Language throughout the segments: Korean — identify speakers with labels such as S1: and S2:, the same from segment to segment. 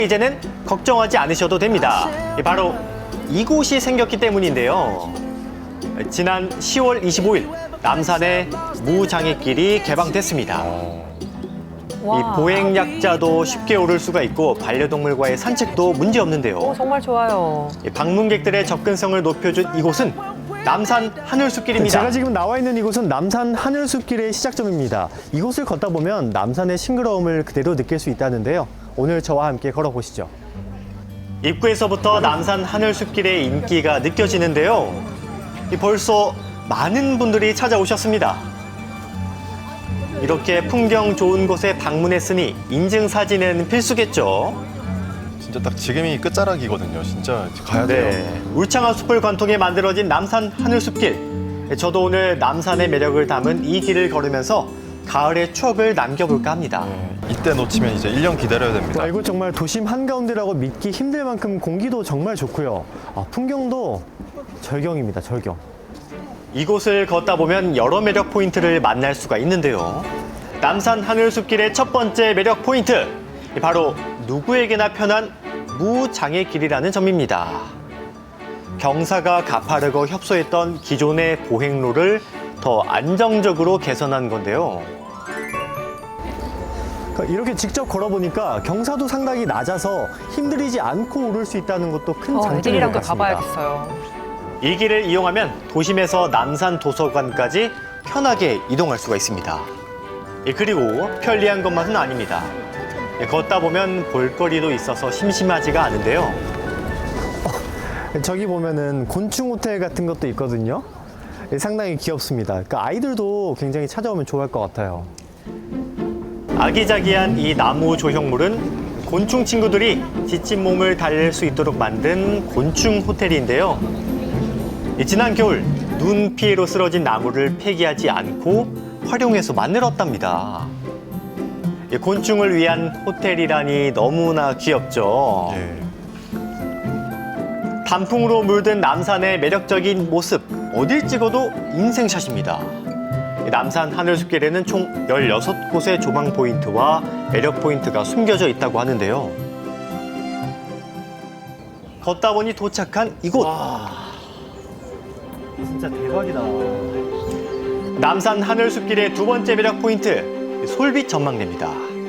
S1: 이제는 걱정하지 않으셔도 됩니다. 바로 이곳이 생겼기 때문인데요. 지난 10월 25일 남산의 무장애길이 개방됐습니다. 이 보행약자도 쉽게 오를 수가 있고 반려동물과의 산책도 문제없는데요.
S2: 정말 좋아요.
S1: 방문객들의 접근성을 높여준 이곳은 남산 하늘숲길입니다.
S3: 제가 지금 나와 있는 이곳은 남산 하늘숲길의 시작점입니다. 이곳을 걷다 보면 남산의 싱그러움을 그대로 느낄 수 있다는데요. 오늘 저와 함께 걸어보시죠.
S1: 입구에서부터 남산 하늘숲길의 인기가 느껴지는데요. 벌써 많은 분들이 찾아오셨습니다. 이렇게 풍경 좋은 곳에 방문했으니 인증사진은 필수겠죠.
S4: 진짜 딱 지금이 끝자락이거든요. 진짜 가야 돼요.
S1: 울창한 숲을 관통해 만들어진 남산 하늘숲길. 저도 오늘 남산의 매력을 담은 이 길을 걸으면서 가을의 추억을 남겨볼까 합니다.
S4: 이때 놓치면 이제 1년 기다려야 됩니다.
S3: 이곳 정말 도심 한가운데라고 믿기 힘들 만큼 공기도 정말 좋고요. 풍경도 절경입니다, 절경.
S1: 이곳을 걷다 보면 여러 매력 포인트를 만날 수가 있는데요. 남산 하늘숲길의 첫 번째 매력 포인트, 바로 누구에게나 편한 무장애길이라는 점입니다. 경사가 가파르고 협소했던 기존의 보행로를 더 안정적으로 개선한 건데요.
S3: 이렇게 직접 걸어보니까 경사도 상당히 낮아서 힘들이지 않고 오를 수 있다는 것도 큰 장점인 것
S2: 애들이랑도
S3: 같습니다.
S2: 가봐야겠어요.
S1: 이 길을 이용하면 도심에서 남산 도서관까지 편하게 이동할 수가 있습니다. 그리고 편리한 것만은 아닙니다. 걷다 보면 볼거리도 있어서 심심하지가 않은데요.
S3: 저기 보면은 곤충 호텔 같은 것도 있거든요. 상당히 귀엽습니다. 그러니까 아이들도 굉장히 찾아오면 좋아할 것 같아요.
S1: 아기자기한 이 나무 조형물은 곤충 친구들이 지친 몸을 달랠 수 있도록 만든 곤충 호텔인데요. 지난 겨울 눈 피해로 쓰러진 나무를 폐기하지 않고 활용해서 만들었답니다. 곤충을 위한 호텔이라니 너무나 귀엽죠. 단풍으로 물든 남산의 매력적인 모습, 어딜 찍어도 인생샷입니다. 남산 하늘숲길에는 총 16곳의 조망 포인트와 매력 포인트가 숨겨져 있다고 하는데요. 걷다 보니 도착한 이곳.
S3: 진짜 대박이다.
S1: 남산 하늘숲길의 두 번째 매력 포인트, 솔빛 전망대입니다.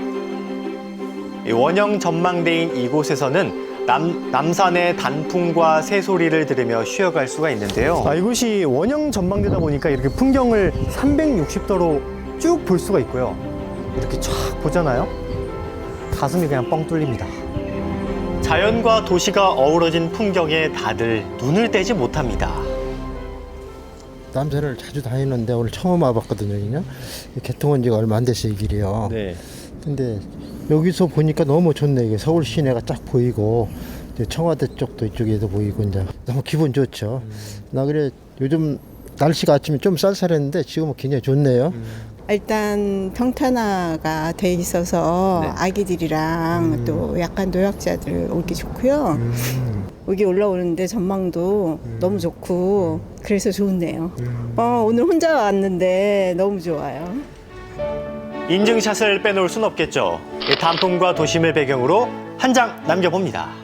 S1: 원형 전망대인 이곳에서는 남산의 단풍과 새소리를 들으며 쉬어갈 수가 있는데요.
S3: 이곳이 원형 전망대다 보니까 이렇게 풍경을 360도로 쭉 볼 수가 있고요. 이렇게 쫙 보잖아요. 가슴이 그냥 뻥 뚫립니다.
S1: 자연과 도시가 어우러진 풍경에 다들 눈을 떼지 못합니다.
S5: 남산을 자주 다니는데 오늘 처음 와봤거든요. 그냥 개통한 지가 얼마 안 됐어요, 이 길이요.
S3: 네.
S5: 근데 여기서 보니까 너무 좋네. 이게 서울 시내가 쫙 보이고 이제 청와대 쪽도 이쪽에도 보이고 이제 너무 기분 좋죠. 나 그래 요즘 날씨가 아침에 좀 쌀쌀했는데 지금은 굉장히 좋네요.
S6: 일단 평탄화가 돼 있어서 아기들이랑 또 약간 노약자들 오기 좋고요. 여기 올라오는데 전망도 너무 좋고 그래서 좋네요. 오늘 혼자 왔는데 너무 좋아요.
S1: 인증샷을 빼놓을 순 없겠죠. 단풍과 도심을 배경으로 한 장 남겨봅니다.